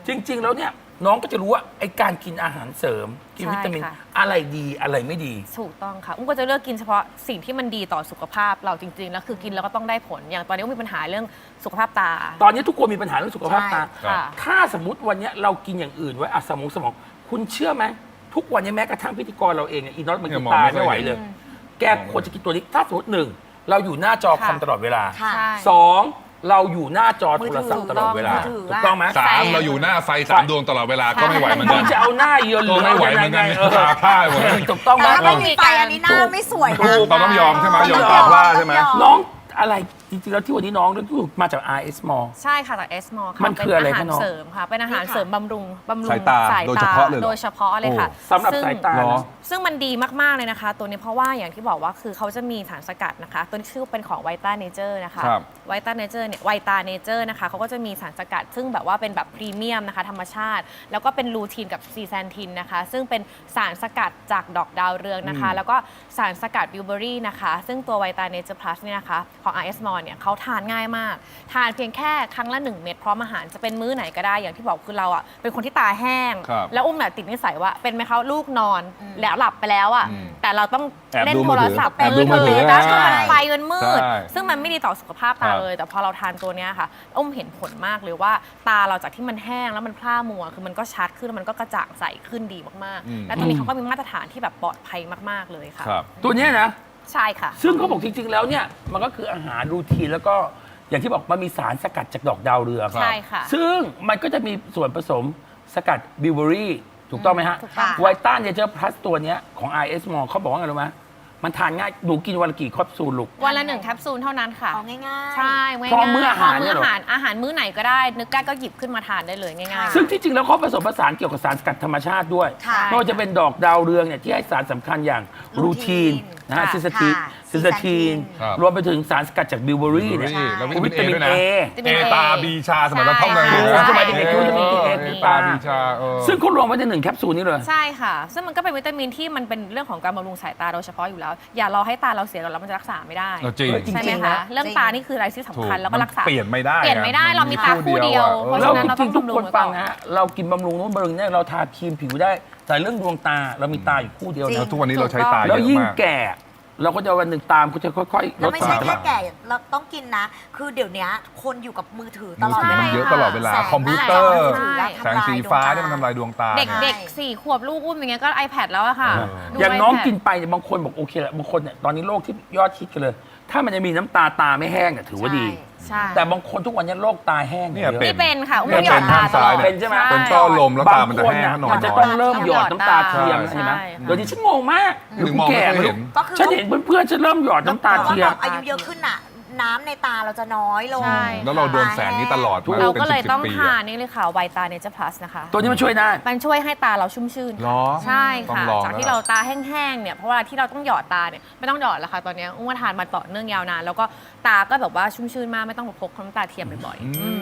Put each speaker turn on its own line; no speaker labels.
จริง ๆ แล้วเนี่ยน้องก็จะรู้ว่าไอ้การกินอาหารเสริมกินวิตามิน
ใช่ค่ะ
อะไรดีอะไรไม่ดี
ถูกต้องค่ะอุ้มก็จะเลือกกินเฉพาะสิ่งที่มันดีต่อสุขภาพเราจริงๆแล้วคือกินแล้วก็ต้องได้ผลอย่างตอนนี้อุ้มมีปัญหาเรื่องสุขภาพตา
ตอนนี้ทุกคนมีปัญหาเรื่องสุขภาพตา
ใช่ค่ะ
ถ้าสมมติวันนี้เรากินอย่างอื่นไว้อะสมอง คุณเชื่อไหมทุกวันนี้แม้กระทั่งพิธีกรเราเองเนี่ยอีน็อตมัน
เนี่
กิ
ย
น
มอง
ตา
ไม่ค่อย
ไม่ไหวเลย แกควรจะกินตัวนี้ถ้าสมมติหนึ่งเราอยู่หน้าจอคอมตลอดเวลา
ค่ะ
ใช่
สองเราอยู่หน้าจอโทรศัพท์ตลอดเวลา
มือถือ
ถูกต้องไหม
สามเราอยู่หน้าไฟ3 ดวงตลอดเวลาก็ไม่ไหวเหมือน
คุ
กั
ณ
น
จะเอาหน้าเยือน
ก็ไม่ไหวเหมือนกัน ตาพร่าหมด
ถูกต้องไหม
แต่ถ้าไม่มีไฟอันนี้หน้าไม่สวยนะ
ถูกเราต้องยอมใช่ไหมยอมตาพร่าใช่ไหม
น้องอะไรจริงๆแล้วที่วันนี้น้องเรื่องที่มาจาก RS Mall
ใช่ค่ะจากเอสมอลค่ะ
มันคืออะไร
เป็นอาหาร
คะน้อง
เสริมค่ะเป็นอาหารเสริมบำรุง
สายตาโดยเฉพาะเลยเหรอ
โดยเฉพาะเลยค่ะ
สำหรับสายตา
เหรอ
ซึ่งมันดีมากๆเลยนะคะ ตัวนี้เพราะว่าอย่างที่บอกว่าคือเขาจะมีสารสกัดนะคะ ตัวนี้ชื่อเป็นของไวต้าเนเจอร์นะคะ
ครับ
ไวต้าเนเจอร์เนี่ยไวตาเนเจอร์นะคะเขาก็จะมีสารสกัด ซึ่งแบบว่าเป็นแบบพรีเมียมนะคะธรรมชาติ แล้วก็เป็นลูทีนกับซีแซนทินนะคะ ซึ่งเป็นสารสกัดจากดอกดาวเรืองนะคะ แล้วก็สารสกัดบิวเบอรี่นะคะ ซึ่งตัวไวตาเนเจอร์พลัสเนี่ยนะคะของ RS Mall เนี่ยเขาทานง่ายมาก ทานเพียงแค่ครั้งละ 1 เม็ดพร้อมอาหารจะเป็นมื้อไหนก็ได้อย่างที่บอกคือเราอ่ะเป็นคนที่ตาแห้ง
ครับ
แล้วอุ้มเนี่ยติดนิสัยว่าเป็นไหมคะลูกนอนแล้วหลับไปแล้วอ่ะแต่เราต้อง
แอบ
เล่น
ดู
โท
มือ
ร
ถือ
ศัพท์
แอบดูมือถือ
แล้วก็
อ่า
มันไฟมันมืด
ใช่
ซึ่งมันไม่ดีต่อสุขภาพตา
ครับ
เลย แต่พอเราทานตัวเนี้ยค่ะอุ้มเห็นผลมากเลยว่าตาเราจากที่มันแห้งแล้วมันพร่ามัวคือมันก็ชัดขึ้นแล้วมันก็กระจ่างใสขึ้นดีมากๆ และตัวนี้เขาก็มีมาตรฐานที่แบบปลอดภัยมากๆเลยค่ะ
ครับ
ตัวเนี้ยนะ
ใช่ค่ะ
ซึ่งเขาบอกจริง ๆ แล้วเนี่ยมันก็คืออาหารรูทีนแล้วก็อย่างที่บอกมันมีสารสกัดจากดอกดาวเรือง
ใช่ค่ะ
ซึ่งมันก็จะมีส่วนผสมสกัดบิวเบอรี่ถูกต้องไหมฮะ
ถูกต้อง
ไวต้าเนเจอร์พลัสตัวเนี้ยของ RS Mall เขาบอกว่าไงรู้ไหมมันทานง่ายหนูกินวันละกี่แคปซูลลูก
วันละ1 แคปซูลเท่านั้นค่ะ
เอาง่ายๆ
ใช่ง่ายๆ
พร้อมมื้ออาหาร
พ
เนี่ยเหรอ
อาหารมื้อไหนก็ได้ นึกได้ก็หยิบขึ้นมาทานได้เลยง่ายๆ
ซึ่งที่จริงแล้วเขาผสมผสานเกี่ยวกับสารสกัดธรรมชาติด้วย
ค่ะ
ไม่ว่าจะเป็นดอกดาวเรืองเนี่ยที่ให้สารสำคัญอย่างรูทีนนะฮะ
ค่ะ
ซิสตีน
ค่ะ
ซิสตีน
ครับ
รวมไปถึงสารสกัดจากบิวเบอรี่เนี่ย
แล้ว
วิ
วิ
ตา
ตา
มิ
มิ
น
น
A
เอด้วยนะเอตาบีชาสมัยเราท่องเลย
ใช่
นะ
สมัยเด็กๆรู้จะมี A
เอตาบีชา
ซึ่งเขารวมไว้ใน1 แคปซูลนี้เลย
ใช่ค่ะ ซึ่งมันก็เป็นวิตามินที่มันเป็นเรื่องของการบำรุงสายตาโดยเฉพาะอยู่แล้ว อย่ารอให้ตาเราเสียก่อนแล้วมันจะรักษาไม่ได้
จริง
จริง
ใช่ไหม
ๆ
คะ
นะ
เรื่องตานี่คืออะไรที่สำคัญแล้วก็รักษา
เปลี่ยนไม่ได้
เปลี่ยนไม่ได้เรามีตาคู่เดียว เพราะ
แล้
ฉะ
ว
นั้น
จ
เราต้
ริ
อง
งๆทุก
บำรุ
ค
ง
น
ไว้
ฟั
ก่
ง
อน
นะฮะเรากินบำรุงนู้นบำรุงนี่เราทาครีมผิวได้ แต่เรื่องดวงตาเรามีตาอยู่คู่เดียว
จริ
นะ
ง
ทุกวันนี้เราใช้ตาเย
แล้ว
อะ
ยิ่ง
มาก
แก่ เราก็จะวันหนึ่งตามก็จะค่อยๆล
แล้ว
ด
ไม่
สา
ใช่
ร
แค่แก่เราต้องกินนะ คือเดี๋ยวนี้คนอยู่กับมือถือตลอดเว
มัน
ลา
เยอะตลอดเวลา
แสง
คอมพิวเตอร์
ใช่
แสงสีฟ้าที่มันทำลายดวงตา
เด็ก
ไง
เด็ก4 ขวบลูกอุ้มอย่างเงี้ยก็ iPad แล้วอะค่ะ ดู
อย่างน้อง
iPad
กินไปเนี่ยบางคนบอกโอเคแหละบางคนเนี่ยตอนนี้โรคที่ยอดฮิตกันเลย ถ้ามันจะมีน้ำตาตาไม่แห้งเนี่ยถือว่าดี
ใช่
แต่บางคนทุกวันนี้โรคตาแห้ง
เนี่ย
เยอะ
เป็
นี่เป็นค่ะอุ้ม
เนี่ย
หยอดตา
เป็นข้างซ้าย
ตลอด
เป็นใช่ไหม
เป็นต้อลมแล้วตามันจะ
บางคน
แห้ง
น่ะ
ถ้านอ
มัน นจะ
น้
ต้
อ
อย งเริ่มหยอดน้ำตาเทียม
ใช่
ใช่ไหม
ค่ะ
เดี๋ยวนี้ฉันงงมาก
ถึงมองไม่ค่อยเห็น
ก็คือ
ฉันเห็นเพื่อนๆฉันเริ่มหยอดน้ำตาเทียม
อายุเยอะขึ้นน่ะ น้ำในตาเราจะน้อยลง
ใช่
แล้วเราโดนแสงนี้ตลอดมา
เรา
ป็น
ก็เลย
10
ต้อง
ปี
ทา
อะ
นนี่เลยค่ะไวตาเนเจอร์พลัสนะคะ
ตัวนี้มันช่วยได้
มันช่วยให้ตาเราชุ่มชื่น
เหรอ
ใช่
ต้อ
ค่ะ
งลอง
จากที่
แล้ว
เราตาแห้งๆเนี่ยเพราะว่าที่เราต้องหยอดตาเนี่ยไม่ต้องหยอดแล้วค่ะตอนนี้อุ้มว่าทานมาต่อเนื่องยาวนานแล้วก็ตาก็แบบว่าชุ่มชื่นมากไม่ต้องพกน้ำตาเทียมบ่อยๆ